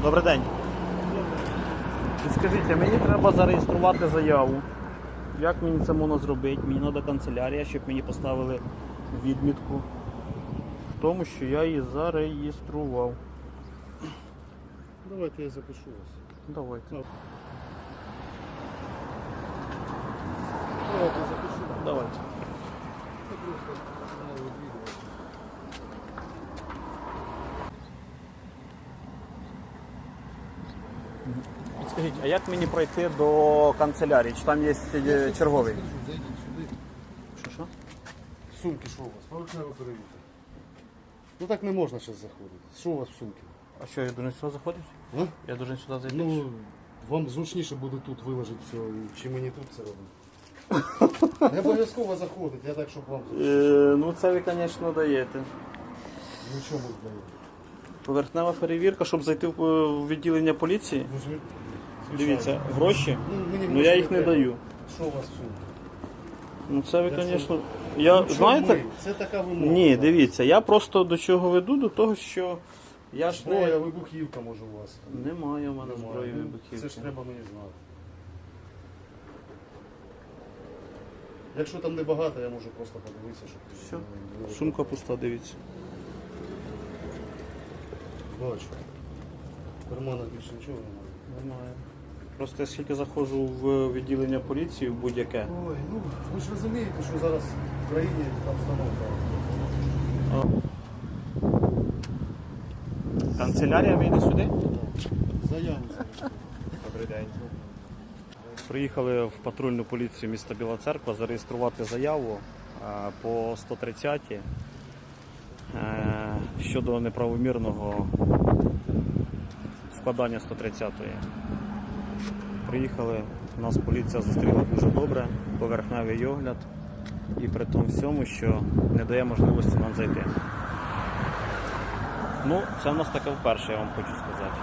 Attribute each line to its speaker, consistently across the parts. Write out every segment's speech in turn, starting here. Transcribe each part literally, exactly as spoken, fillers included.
Speaker 1: Добрий день. Скажіть, мені треба зареєструвати заяву. Як мені це можна зробити? Мені треба канцелярія, щоб мені поставили відмітку в тому, що я її зареєстрував.
Speaker 2: Давайте я запишу вас.
Speaker 1: Давайте.
Speaker 2: Давайте я запишу.
Speaker 1: Давайте.
Speaker 2: Це просто канал відвідувати.
Speaker 1: Скажіть, а як мені пройти до канцелярії? Чи там є е, черговий?
Speaker 2: Зайдіть сюди.
Speaker 1: Що, що?
Speaker 2: Сумки, що у вас? Поверхнева перевірка. Ну так не можна зараз заходити. Що у вас в сумці?
Speaker 1: А що, я должен сюди заходити?
Speaker 2: А?
Speaker 1: Я должен сюди зайти?
Speaker 2: Ну, вам зручніше буде тут виложити все, чи мені тут це робити. Не обов'язково заходити, я так, щоб вам зручніше.
Speaker 1: Е, ну це ви, звісно, даєте.
Speaker 2: Ну чому даєте?
Speaker 1: Поверхнева перевірка, щоб зайти в е, в відділення поліції.
Speaker 2: Ну, звичайно.
Speaker 1: Дивіться, гроші,
Speaker 2: Ну, мені
Speaker 1: ну я їх не
Speaker 2: треба.
Speaker 1: даю.
Speaker 2: Що у вас в сумці?
Speaker 1: Ну це ви,
Speaker 2: Для
Speaker 1: звісно. Я,
Speaker 2: Ну, що
Speaker 1: знаєте,
Speaker 2: ми? Це така вимога.
Speaker 1: ні, дивіться, я просто до чого веду, до того, що я ж
Speaker 2: Зброя,
Speaker 1: не...
Speaker 2: вибухівка може у вас.
Speaker 1: Немає у мене
Speaker 2: Немає.
Speaker 1: зброї
Speaker 2: Ну,
Speaker 1: вибухівки.
Speaker 2: Це ж треба мені знати. Якщо там небагато, я можу просто подивитися, щоб...
Speaker 1: Все.
Speaker 2: не- не-
Speaker 1: Сумка пуста, дивіться.
Speaker 2: Бачу. В карманах більше нічого немає.
Speaker 1: Немає. Просто я скільки заходжу в відділення поліції, в будь-яке.
Speaker 2: Ой, ну ви ж розумієте, що зараз в країні обстановка.
Speaker 1: Канцелярія вийде сюди?
Speaker 2: Заяву зараз.
Speaker 1: Добрий день. Приїхали в патрульну поліцію міста Біла Церква зареєструвати заяву е, по сто тридцятій е, щодо неправомірного складання сто тридцятої. Приїхали, нас поліція зустріла дуже добре, поверхневий огляд і при тому всьому, що не дає можливості нам зайти. Ну, це в нас таке вперше, я вам хочу сказати.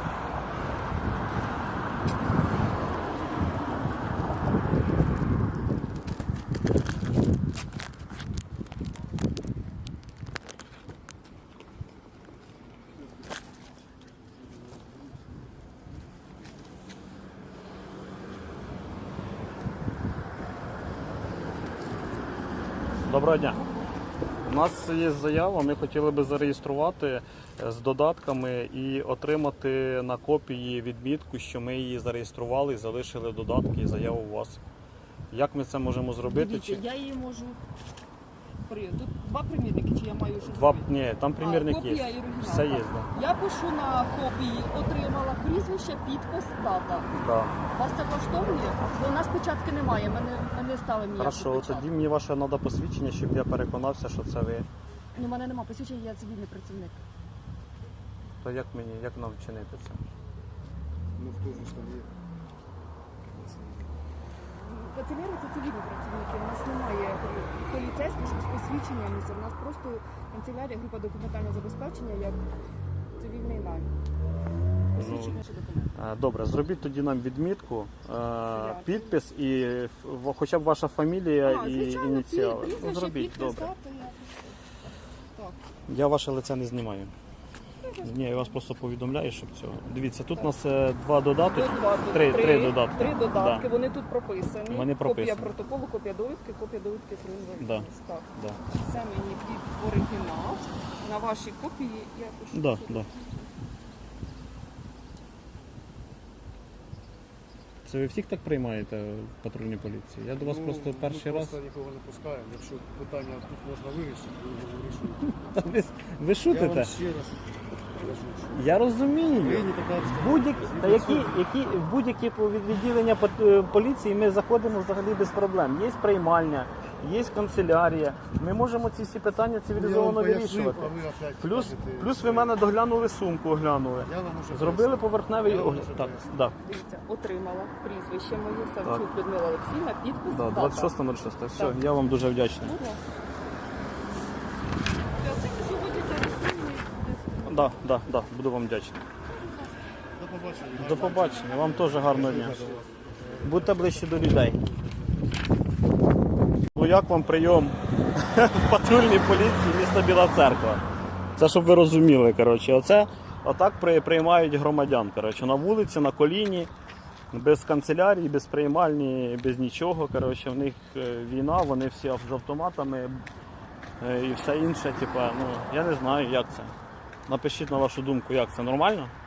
Speaker 1: Доброго дня. У нас є заява, ми хотіли би зареєструвати з додатками і отримати на копії відмітку, що ми її зареєстрували і залишили додатки і заяву у вас. Як ми це можемо зробити?
Speaker 3: Дивіться,
Speaker 1: Чи...
Speaker 3: я її можу. При- Тут два примірники, чи я маю щось
Speaker 1: Два...
Speaker 3: зробити?
Speaker 1: Ні, там примірник
Speaker 3: А, копія
Speaker 1: є.
Speaker 3: і оригінал,
Speaker 1: Все є,
Speaker 3: так.
Speaker 1: да.
Speaker 3: Я пишу на копії, отримала прізвище, підпис, дата.
Speaker 1: Да.
Speaker 3: Вас це влаштовує? Бо у нас печатки немає, ми не, ми не ставимо ніяку
Speaker 1: Хорошо,
Speaker 3: печатку.
Speaker 1: тоді мені ваше треба посвідчення, щоб я переконався, що це ви.
Speaker 3: Ну, у мене немає посвідчення, я цивільний працівник.
Speaker 1: То як мені, як нам вчинити це?
Speaker 2: Ну хто ж там є?
Speaker 3: Канцелярія це цивільні працівники, у нас немає поліцейських, щоб з посвідченням. У нас просто канцелярія, група документального забезпечення, як цивільний найм. Посвідчення чи документи.
Speaker 1: Е, Добре, зробіть тоді нам відмітку, е, підпис і в- хоча б ваша фамілія
Speaker 3: А,
Speaker 1: і
Speaker 3: звичайно,
Speaker 1: ініціали.
Speaker 3: прізвище,
Speaker 1: Ну, зробіть,
Speaker 3: підпис,
Speaker 1: добре.
Speaker 3: дата, я- Так.
Speaker 1: Я ваше лице не знімаю. Ні, я вас просто повідомляю, щоб цього. Дивіться, тут у нас е, два додатки.
Speaker 3: Додатки.
Speaker 1: Три, три додатки.
Speaker 3: Три додатки,
Speaker 1: Да.
Speaker 3: вони тут прописані.
Speaker 1: Вони прописані.
Speaker 3: Копія протоколу, копія довідки, копія довідки про інвалідність.
Speaker 1: Да.
Speaker 3: Так.
Speaker 1: Да.
Speaker 3: Це мені під оригінал. На вашій копії я пишу.
Speaker 1: Да,
Speaker 3: сюди.
Speaker 1: да. Це ви всіх так приймаєте в патрульній поліції? Я до вас
Speaker 2: Ну,
Speaker 1: просто
Speaker 2: ми
Speaker 1: перший раз.
Speaker 2: просто нікого не пускаємо. Якщо питання тут можна вирішити, ви його вирішуєте.
Speaker 1: Та ви, ви
Speaker 2: Я
Speaker 1: шутите?
Speaker 2: вам ще раз кажу, що
Speaker 1: Я розумію.
Speaker 2: Україні татарська.
Speaker 1: Будь-які, та які, які, в будь-які пов- відділення пат- е, поліції ми заходимо взагалі без проблем. Є приймальня, є канцелярія. Ми можемо ці всі питання цивілізовано вирішувати. Плюс, плюс ви мене доглянули сумку, оглянули.
Speaker 2: Я вам уже
Speaker 1: Зробили поверхневий
Speaker 2: Я вам
Speaker 1: огляд.
Speaker 2: уже
Speaker 1: Так,
Speaker 2: пояснив.
Speaker 1: да,
Speaker 3: Дивіться, отримала прізвище моє, Савчук Людмила Олексійовна, підпис,
Speaker 1: да,
Speaker 3: дата.
Speaker 1: двадцять шосте нуль шосте. Все,
Speaker 3: Так.
Speaker 1: я вам дуже вдячний.
Speaker 3: Будь ласка. Це сьогодні зареєструємо.
Speaker 1: Да, да, да, буду вам вдячний.
Speaker 2: До побачення.
Speaker 1: До побачення, вам теж гарного дня. Будьте ближче до людей. Ну як вам прийом в патрульній поліції міста Біла Церква? Це щоб ви розуміли, коротше. Оце отак при- приймають громадян. Коротше, на вулиці, на коліні, без канцелярії, без приймальні, без нічого. Коротше, в них е, війна, вони всі з автоматами е, і все інше. Типа, ну, я не знаю, як це. Напишіть на вашу думку, як це нормально?